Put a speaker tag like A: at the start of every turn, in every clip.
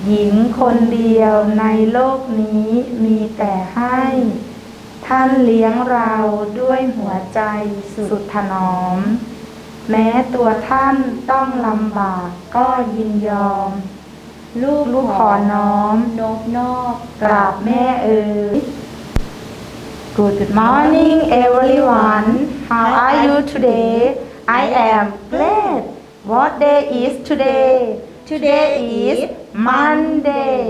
A: หญิงคนเดียวในโลกนี้มีแต่ให้ท่านเลี้ยงเราด้วยหัวใจสุดถนอมแม้ตัวท่านต้องลำบากก็ยินยอมลูกขอน้อมนบนอบกราบแม่เอ๋ย Good morning everyone. How are you today? I am glad. What day is today? Today is Monday.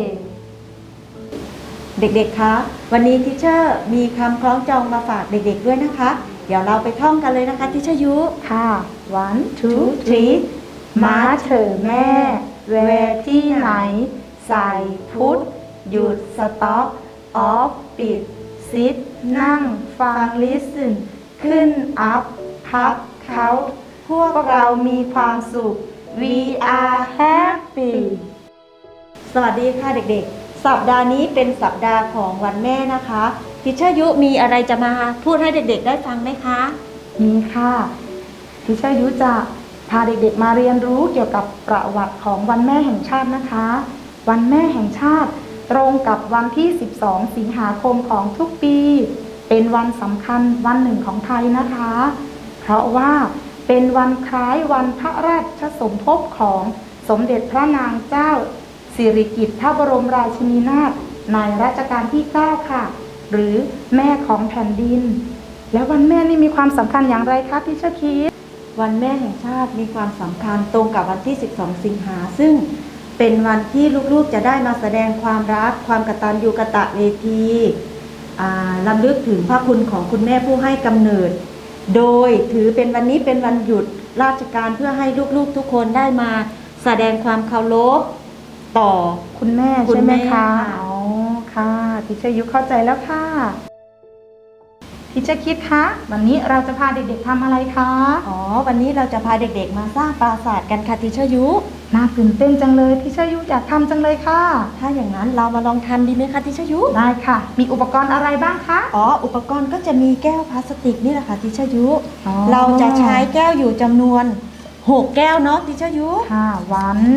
B: เด็กๆ คะ วันนี้ทิเชอร์มีคำคล้องจองมาฝากเด็กๆ ด้วยนะคะ เดี๋ยวเราไปท่องกันเลยนะคะทิเชอร์ยุ
A: ค่ะ One, two, three มาเถอะแม่แวะที่ไหน ใส่พุทธหยุดสต็อปออฟปิดซิดนั่งฟัง listen ขึ้น up พับเขาพวกเรามีความสุข we are happy
B: สวัสดีค่ะเด็กๆ สัปดาห์นี้เป็นสัปดาห์ของวันแม่นะคะทิเชอร์ยุมีอะไรจะมาพูดให้เด็กๆ ได้ฟังไหมคะ
A: มีค่ะทิเชอร์ยุจะพาเด็กๆมาเรียนรู้เกี่ยวกับประวัติของวันแม่แห่งชาตินะคะวันแม่แห่งชาติตรงกับวันที่12สิงหาคมของทุกปีเป็นวันสำคัญวันหนึ่งของไทยนะคะเพราะว่าเป็นวันคล้ายวันพระราชสมภพของสมเด็จพระนางเจ้าสิริกิติ์พระบรมราชินีนาถในรัชกาลที่9ค่ะหรือแม่ของแผ่นดินแล้ววันแม่นี่มีความสำคัญอย่างไรคะพี่เชอร์คิด
B: วันแม่แห่งชาติมีความสำคัญตรงกับวันที่12สิงหาซึ่งเป็นวันที่ลูกๆจะได้มาแสดงความรักความกตัญญูกตเวทีรำลึกถึงพระคุณของคุณแม่ผู้ให้กำเนิดโดยถือเป็นวันนี้เป็นวันหยุดราชการเพื่อให้ลูกๆทุกคนได้มาแสดงความเคารพต่อ
A: คุณแม่ใช่ไหมคะอ๋อค่ะทิเชอร์ยุเข้าใจแล้วค่ะทิเชอร์คิดคะวันนี้เราจะพาเด็กๆทำอะไรคะ
B: วันนี้เราจะพาเด็กๆมาสร้างปราสาทกันค่ะทิเชอร์ยุ
A: น่าตื่นเต้นจังเลยทิเชอร์ยุอยากทำจังเลยค่ะ
B: ถ้าอย่างนั้นเรามาลองทำดีไหมคะทิเชอร์ยุ
A: ได้ค่ะมีอุปกรณ์อะไรบ้างคะ
B: อุปกรณ์ก็จะมีแก้วพลาสติกนี่แหละค่ะทิเชอร์ยุเราจะใช้แก้วอยู่จำนวน6แก้วเนาะทิเชอร์ยุ
A: ค่ะ one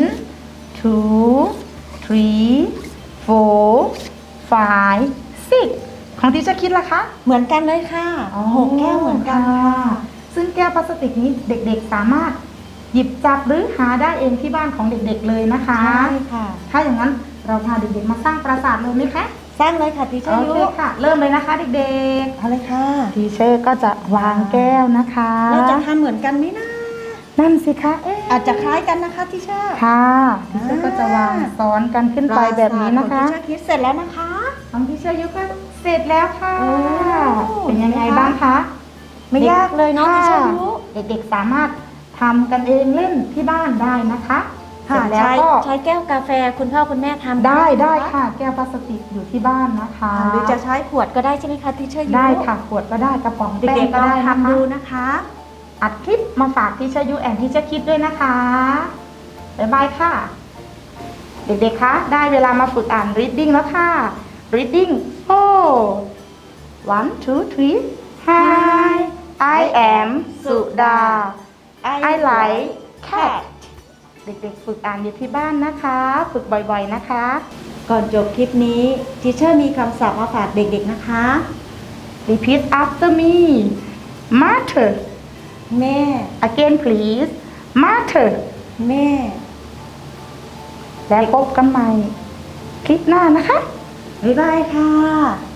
A: two three four five six ของทิเชอร์คิดล่ะคะ
B: เหมือนกันเลยค่ะ6แก้วเหมือนกันค่ะ
A: ซึ่งแก้วพลาสติกนี้เด็กๆสามารถหยิบจับหรือหาได้เองที่บ้านของเด็กๆเลยนะคะ
B: ใช่ค่ะ
A: ถ้าอย่างนั้นเราพาเด็กๆมาสร้างปราสาทเลยไหมคะ
B: สร้างเลยค่ะทิเชอร์ยุ
A: ค่ะเริ่มเลยนะคะเด็ก
B: ๆเอาเลยค่ะ
A: ทิเชอร์ก็จะวางแก้วนะคะ
B: เราจะทำเหมือนกันไหมนะ
A: นั่นสิคะ
B: อาจจะคล้ายกันนะคะทิเชอร์
A: ค่ะทิเชอร์ก็จะวางซ้อนกันขึ้นไปแบบนี้นะคะ
B: ทิเชอร์คิดเสร็จแล้วนะคะ
A: ของทิเชอร์ยุก็เสร็จแล้วค่ะเป็นยังไงบ้างคะ
B: ไม่ยากเลยเนาะทิเชอร์ยุ
A: เด็กๆสามารถทำกันเองเล่นที่บ้านได้นะคะ
B: เสร็จแล้วก็ใช้แก้วกาแฟคุณพ่อคุณแม่ทำ
A: ได้ค่ะแก้วพลาสติกอยู่ที่บ้านนะคะ
B: หรือจะใช้ขวดก็ได้ใช่ไหมคะทิเชอร์ยุ
A: ได้ค่ะขวดก็ได้กระป๋อง
B: เด็กๆก็ได้ทำดูนะคะ
A: อัดคลิปมาฝากทิเชอร์ยุแอนทิเชอร์คิดด้วยนะคะบ๊ายบายค่ะเด็กๆคะได้เวลามาฝึกอ่าน reading แล้วค่ะ reading 1 2 3 Hi I am สุดา I like cat เด็กๆฝึกอ่านอยู่ที่บ้านนะคะฝึกบ่อยๆนะคะ
B: ก่อนจบคลิปนี้ทิเชอร์มีคำศัพท์มาฝากเด็กๆนะคะ
A: Repeat after me Mother
B: แม่
A: Again please Mother
B: แม่
A: แล้วพบกันใหม่คลิปหน้านะคะ
B: บ๊ายบายค่ะ